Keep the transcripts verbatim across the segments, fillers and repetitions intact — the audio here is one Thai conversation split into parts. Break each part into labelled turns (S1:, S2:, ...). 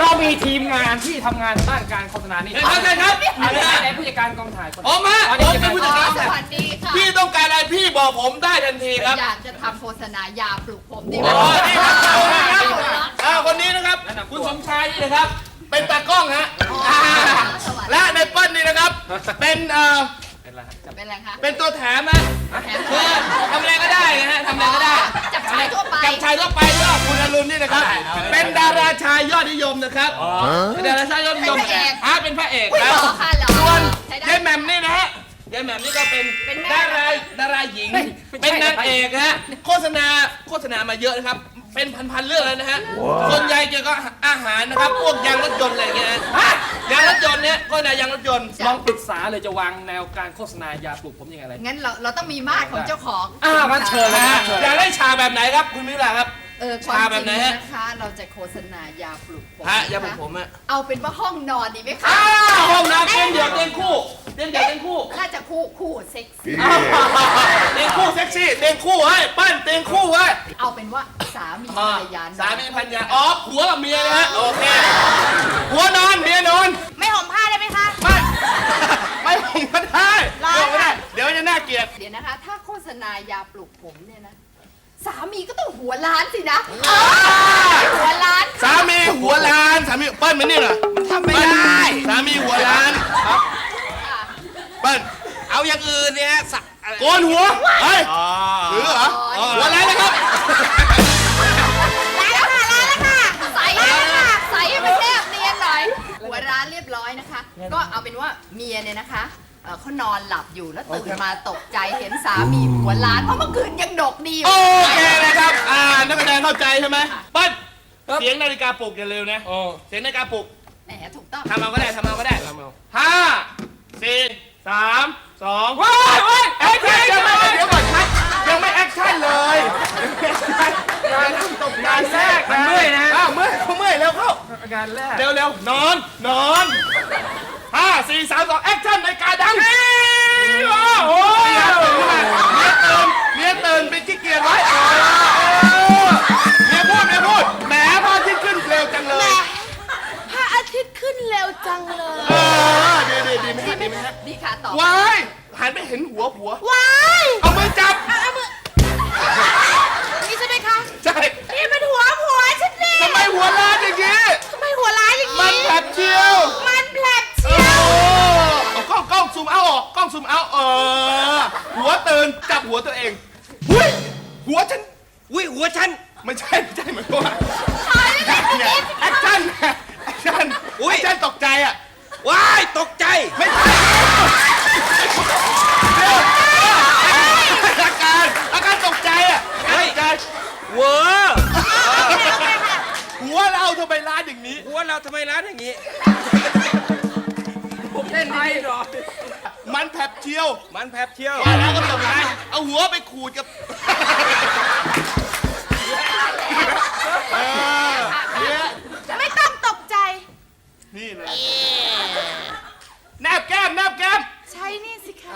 S1: เรามีทีมงานที่ทำงานด้านการโฆษณานี่
S2: ใช่ครับใช่ครับ
S1: ไหนผู้จัดการกองถ่ายคน
S2: ออกมาผมเป็นผู้จัดการ
S3: สวัสดีค่ะ
S2: พี่ต้องการอะไรพี่บอกผมได้ทันทีครับ
S3: อยากจะทำโฆษณายาปลุกผมดีไหม
S2: อ๋อนี่ครับอ่าคนนี้นะครับ คุณสมชายนี่นะครับ เป็นตากล้องฮะและในเปิ้ลนี่นะครับ เป็นเอ่อ
S1: เป็นไรครับ
S3: เป็นอะไรคะ
S2: เป็นตัวแถมฮะ
S3: แถม
S2: คือทำอะไรก็ได้นะฮะทำอะไรก็ได้
S3: จับชายทั่วไป
S2: กับชายทั่วไปก็คุณอรุณนี่นะครับ เป็นดาราชายยอดนิยมนะครับเป็นดาราชายยอดนิยมอ่าเป็นพระเอก
S3: อุ้ย
S2: แล้
S3: ห
S2: ว
S3: รอค่ะหรอ
S2: ส่วน
S3: ใช้ได้
S2: ยายแหม่มนี่นะฮะยายแหม่มนี่ก็เป็น
S3: เป็นแม่
S2: ดาราดาราหญิง เป็นนางเอกฮะโฆษณาโฆษณามาเยอะนะครับ เป็นพันๆเรื่องแล้วนะฮะส่วนใหญ่เกี่ยวกับอาหารนะครับ พวกยางรถยนต์อะไรอย่างเงี้ยฮะยางรถยนต์เนี่ยโฆษณายางรถยนต์
S1: ลองปรึกษาเลยจะวางแนวการโฆษณายาปลุกผมยังไงอะไร
S3: งั้นเราเราต้องมีมาตรของเจ้าของ
S1: อ่างั้นเชิญเลย
S2: นะฮะอยากได้ชาแบบไหนครับคุณมิวลาครับ
S3: เออความ
S2: ชา
S3: จ
S2: แบ
S3: ริ
S2: บ
S3: ง
S2: ไหนฮะ
S3: นะคะ เราจะโฆษณายาปลุกผม
S2: ฮะ
S3: นะคะ
S2: ยาผมผมอะ
S3: เอาเป็นว่าห้องนอนดีไหมคะ
S2: อ้าวห้องน้ำเตียงเดี่ยวเตียงคู่เตียงเดี่ยวเตียงคู่
S3: น่าจะคู่คู่เซ็กซี่
S2: เตียงคู่เซ็กซี่เตียงคู่เฮ้ยปั้นเตียงคู่เฮ้ย
S3: เอาเป็นว่าสามีภรรยา
S2: สามีพันยาอ๋อผัวกับเมียนะฮะโอเคผัวนอนเมียนอน
S3: ไม่ห่มผ้าได้ไหมคะ
S2: ไม่ไม่ผมก็ได้
S3: ร้อน
S2: ไม่ได้
S3: อะ
S2: เดี๋ยวจะน่าเกลียด
S3: เดี๋ยวนะคะ ถ้าโฆษณายาปลุกผมเนี่ยนะ สามีก็ต้องหัวล้านสินะหัวล้าน
S2: สามีหัวล้านสามีเปิ้ลมันนี่เหรอ
S3: ทำไม่ได้
S2: สามีหัวล้านครับ
S3: ค่ะ
S2: เปิ้ล
S4: เอาอย่างอื่นเนี่ยสักอะไร
S2: โกนหัวเฮ้ยหรือเหรอหัวล้านนะครับ
S3: ล้านแล้วค่ะล้านแล้วค่ะใสแล้วค่ะใสให้มันแนบเนียนหน่อย หัวร้านเรียบร้อยนะคะ ก็เอาเป็นว่าเมียเนี่ยนะคะเอ่อเขานอนหลับอยู่แล้วตื่นมาตกใจเห็นสามีหัวล้านเพราะเมื่อคืนยังดกดีอยู่
S2: โอเคนะครับอ่านักแสดงเข้าใจใช่ไหมเปิ้ลเสียงนาฬิกาปลุกอย่าเร็วนะเสียงนาฬิกาปลุก
S3: แหมถูกต้อง
S2: ทำเอาก็ได้ทำเอาก็ได้
S1: ทำเอา
S2: ห้าสี่สามสอง
S1: ว้ายว้าย
S2: แอคชั่นยังไม่เดี๋ยวก่อนครับยังไม่แอคชั่นเลยงานตกงานแรก
S1: มันเมื่อยนะ
S2: อ้าวเมื่อยเขาเมื่อยเร็วเข้า
S1: งานแรก
S2: เร็วเร็วนอนนอนห้าสี่สามสองแอคชั่นในการดังโอ้ยเมียตื่นเมียตื่นเป็นขี้เกียจไว้เมียพูดเมียพูดแหมพระอาทิตย์ขึ้นเร็วจังเลย
S3: พระอาทิตย์ขึ้นเร็วจังเลย
S2: เออดีดีดีไหมฮะดีไหมฮะ
S3: ดีค่ะต่อ
S2: ว้ายหันไปเห็นหัวผัว
S3: ว้าย
S2: เอามือจับ
S3: นี่ใช่ไหมคะ
S2: ใช่
S3: นี่เป็นหัวผัวฉันเอง
S2: ทำไมหัวล้านอย่างนี้
S3: ทำไมหัวร้ายอย่าง
S2: มัน
S3: นี้
S2: แผลบเชียว
S3: มันแผลบ
S2: โอ้
S3: เชียว
S2: เอากล้องกล้องซูมเอาออกกล้องซูมเอาเออหัวตื่นจับหัวตัวเองหุ้ยหัวฉัน
S4: อุ้ยหัวฉัน
S2: ไม่ใช่ไม่ใช่เหมือนตัวเนี่ยแอคชั่นแอคชั่น
S4: อุ๊ย
S2: แอคชั่นตกใจอ่ะ
S4: ว้ายตกใจ
S2: ไม่ใช่เดี๋ยวอาการอาการตกใจอ่ะตกใจ
S4: เวอร์
S2: หัวเราทำไมร้านอย่างนี้
S4: หัวเราทำไมร้านอย่างนี้
S1: ผมเล่นไม่หรอ
S2: มันแผลบเชียว
S4: มันแผลบเที่ยว
S2: ว่าแล้วก็ทำร้ายเอาหัวไปขูดกับเออเนี่ย
S3: ไม่ต้องตกใจ
S2: นี่เลยแนบแก้มแนบแก้ม
S3: ใช้นี่สิคะ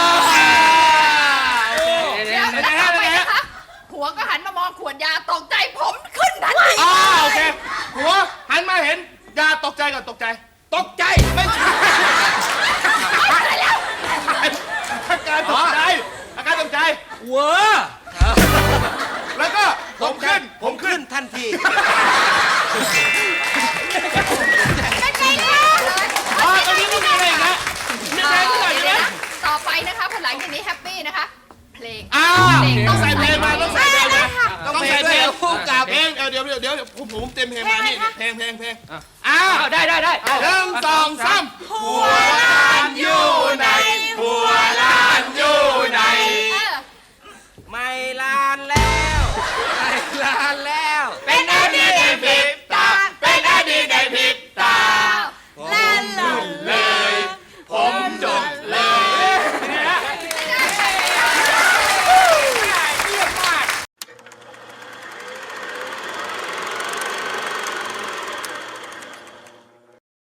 S2: เดี๋ยว
S3: แล้
S2: เดี๋ยว ว
S3: ต่อไป
S2: เดี๋ยว
S3: นะคะผัวก็หันมามองขวดยาตกใจผมขึ้นทันที
S2: อ่าโอเคหัวหันมาเห็นยาตกใจก่อนตกใจ
S4: ตกใจ
S2: ไม่ใช่อาการตกใจอาการตกใจ
S4: เวอร์
S2: แล้วก็ผมขึ้น
S4: ผมขึ้นทันที
S3: เป็นไงคะ
S2: อ่าตอนนี้ไม่มีอะไรอีกนะมีเพลงที่ไหนอีกไหม
S3: ต่อไปนะคะพอหลังจากนี้แฮปปี้นะคะ เพลง
S2: อ้าวต้องใส่เพลงมาต้องใส่เพลงมา
S4: ต้อง
S2: ต้อง
S4: เพล
S2: ใส่
S4: ง
S2: เพ
S4: ด้
S2: ล
S4: วย
S2: งคู่กับเพลงเดี๋ยวเดี๋ยวเดี๋ยวเดี๋ยวผมผมเต็มเพลงมานี่เพลงเพลงเพลงอ้า
S1: อ้าว วได้ได้ได้
S2: หนึ่งสองสามหัวล้านอยู่ไหนหัวล้านอยู่ไหน
S3: เออ
S4: ไม่ลานแล้ว ไม่ลานแล้ว
S2: เป็นอันนี้ผิด